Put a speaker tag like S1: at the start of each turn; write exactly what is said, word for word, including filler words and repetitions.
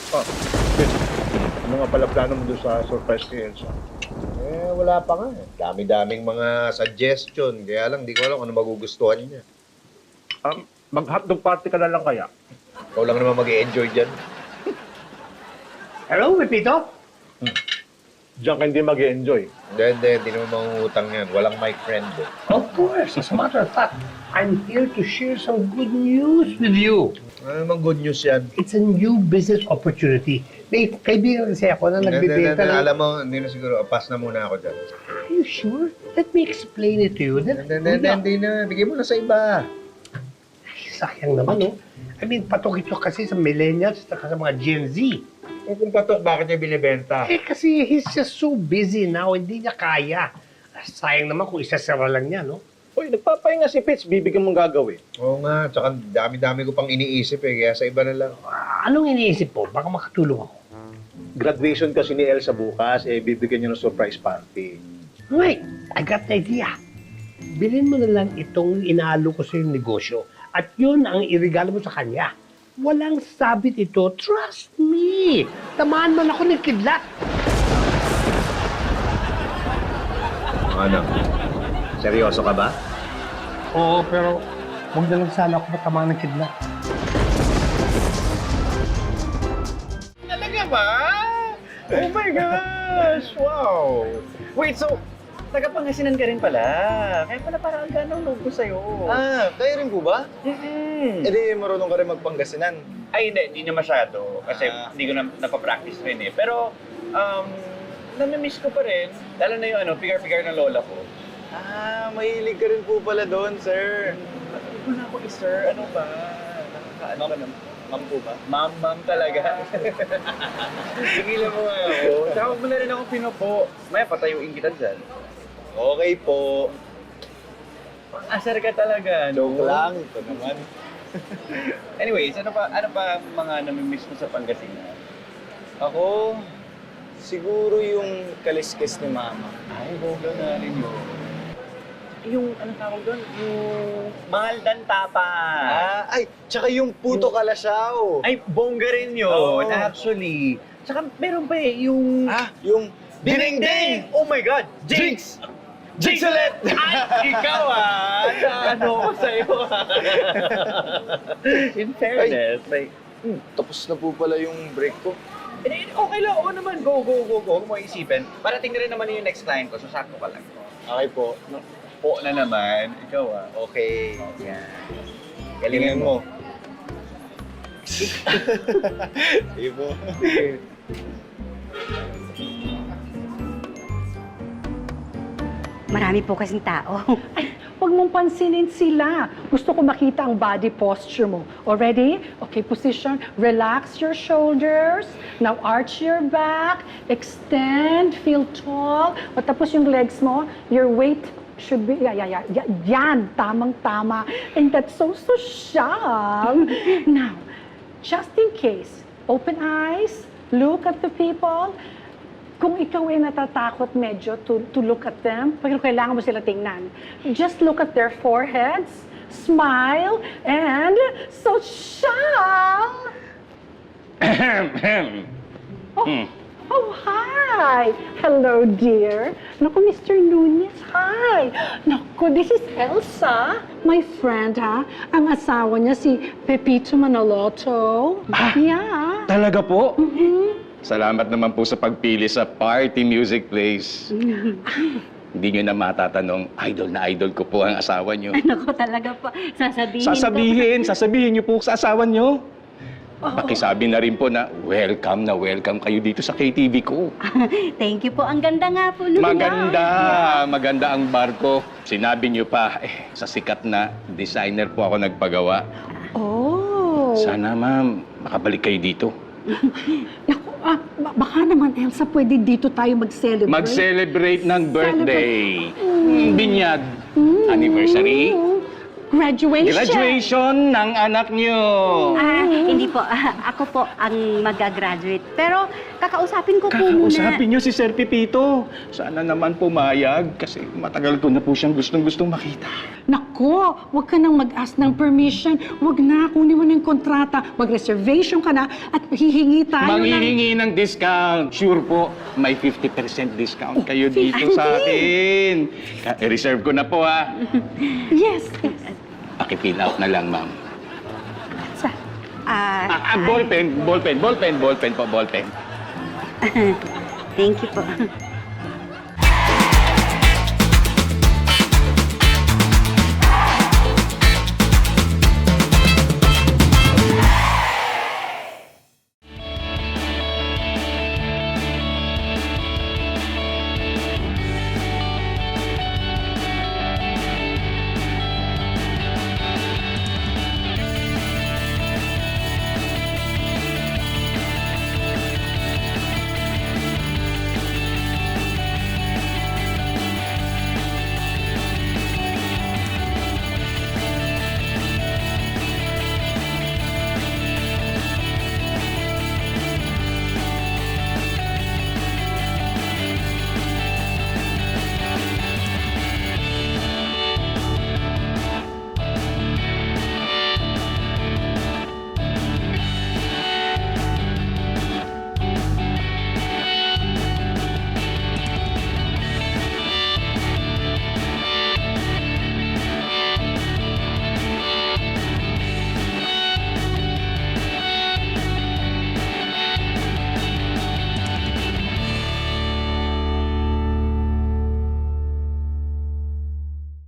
S1: Oh, Chris, ano nga pala plano mo doon sa surprise kay Elsa?
S2: Eh, wala pa nga. eh. Dami-daming mga suggestion. Kaya lang, di ko alam kung ano magugustuhan niya.
S1: Um, mag-hotdog party ka na lang kaya?
S2: Ikaw lang naman mag-i-enjoy dyan.
S3: Hello, Pepito?
S1: Diyan ka hindi mag-enjoy.
S2: Hindi, hindi. Hindi naman mangungutang yan. Walang my friend. Eh.
S3: Of course. As a matter of fact, I'm here to share some good news with you.
S2: Ano namang good news yan?
S3: It's a new business opportunity. May kaibigan kasi ako na
S2: Hindi, hindi,
S3: nagbibenta
S2: hindi.
S3: ng...
S2: Alam mo, hindi na siguro. Pass na muna ako dyan.
S3: Are you sure? Let me explain it to you. Then,
S2: Hindi, hindi, hindi, hindi na. Bigay mo na sa iba.
S3: Ay, sayang naman, no? I mean, patok ito kasi sa millennials at sa mga Gen Z.
S2: Eh, kung patok, bakit niya binibenta?
S3: Eh, kasi he's just so busy now, hindi niya kaya. Sayang naman kung isasara lang niya, no?
S1: Uy, nagpapahinga si Pitch, bibigyan mong gagawin.
S2: Oo nga. Tsaka dami-dami ko pang iniisip eh. Kaya sa iba na lang.
S3: Ah, anong iniisip po? Baka makatulong ako.
S1: Graduation kasi ni Elsa bukas, eh bibigyan niya ng surprise party.
S3: Wait, I got the idea. Bilhin mo na lang itong inaalo ko sa yung negosyo. At yun ang irigalo mo sa kanya. Walang sabit ito. Trust me. Tamaan man ako ng kidlat.
S2: Ano? Seryoso ka ba?
S3: Oo, pero huwag na lang sana ako matamaan ng kidlat.
S4: Talaga ba? Oh my gosh! Wow! Wait, so, taga-Pangasinan ka rin pala. Kaya pala parang ang ganang loob ko sa'yo.
S5: Ah, kayo rin po ba?
S4: Mm-mm.
S5: Eh di marunong ka rin magpangasinan.
S4: Ay, hindi. Hindi na masyado. Kasi
S5: Ah.
S4: hindi ko na napapractice rin eh. Pero, um, namimiss ko pa rin. Lalo na yung ano, pigar-pigar ng lola ko.
S5: Ah, mahilig ka rin po pala doon, sir.
S4: Hindi ko na ako i-sir. Ano ba? Nakakaano ka naman?
S5: Ma'am po ba?
S4: Ma'am, ma'am talaga. Tigilan mo nga ako. Tsaka huwag mo na rin akong pinupo. Maya, patayuin kita dyan.
S5: Okay po.
S4: Asar ka talaga, no?
S5: Joke lang. Ito naman.
S4: Anyways, ano pa ano pa mga namimiss mo sa Pangasinan?
S5: Ako, siguro yung kaliskis ni Mama.
S4: Ay, boga nga rin yun. Yung, anong tawag doon? Yung mahal dan tapa.
S5: Ah, ay, tsaka yung puto kalasyaw.
S4: Ay, bongga rin yun,
S5: Oo.
S4: actually. Tsaka meron pa eh, yung...
S5: Ah, yung
S4: Ding-ding! Oh my God! Jinx! Jinx ulit! Ay, ikaw ah! Ano ko sa'yo ah? In fairness, like...
S5: Hmm, tapos na po pala yung break ko.
S4: Eh, okay lang, oo naman, go, go, go, go. Huwag mo isipin. Parating na rin naman yung next client ko, so sakto ka lang.
S5: Okay po.
S4: Po na naman, ikaw ah.
S5: Okay.
S4: Yan.
S5: Galingan mo. Sige po.
S6: Marami po kasing tao.
S7: Ay, huwag mong pansinin sila. Gusto ko makita ang body posture mo. Already? Okay, position. Relax your shoulders. Now arch your back. Extend. Feel tall. O tapos yung legs mo, your weight should be, yeah, yeah, yeah, yan, tamang-tama. And that's so social. Now, just in case, open eyes, look at the people. Kung ikaw ay natatakot medyo to, to look at them, pero kailangan mo sila tingnan. Just look at their foreheads, smile, and social. Oh, oh, hi. Hello, dear. Naku, Mister Nunez, hi. Naku, this is Elsa. My friend, ha? Ang asawa niya si Pepito Manaloto.
S8: Ah,
S7: Yeah.
S8: Talaga po?
S7: Mhm.
S8: Salamat naman po sa pagpili sa Party Music Place. Hindi nyo na matatanong, idol na idol ko po ang asawa nyo.
S6: Naku, talaga po. Sasabihin
S8: Sasabihin, sasabihin nyo po sa asawa nyo.
S6: Oo.
S8: Pakisabi na rin po na welcome na welcome kayo dito sa K T V ko.
S6: Thank you po. Ang ganda nga po nung
S8: Maganda,
S6: bar.
S8: maganda ang barko. Sinabi nyo pa, eh, sa sikat na designer po ako nagpagawa.
S7: Oh.
S8: Sana ma'am, makabalik kayo dito.
S7: Naku, ah, ba- baka naman, Elsa, pwede dito tayo mag-celebrate.
S8: Mag-celebrate ng birthday. Mm, binyag. Anniversary.
S7: Graduation.
S8: Graduation ng anak niyo.
S6: Ah, hindi po. Ah, ako po ang mag-graduate. Pero kakausapin ko po muna.
S8: Kakausapin niyo si Sir Pipito. Sana naman pumayag kasi matagal ko na po siyang gustong-gustong makita.
S7: Nako, huwag ka nang mag-ask ng permission. Huwag na, kunin mo ng kontrata. Mag-reservation ka na at hihingi tayo ng...
S8: Manghihingi ng discount. Sure po, may fifty percent discount kayo dito sa akin. Ka- reserve ko na po ha.
S7: Yes.
S8: Paki-fill out na lang, ma'am.
S7: Sa...
S6: Ah,
S8: Ah, ah, ballpen, ballpen, ballpen, ballpen po, ballpen.
S6: thank you po.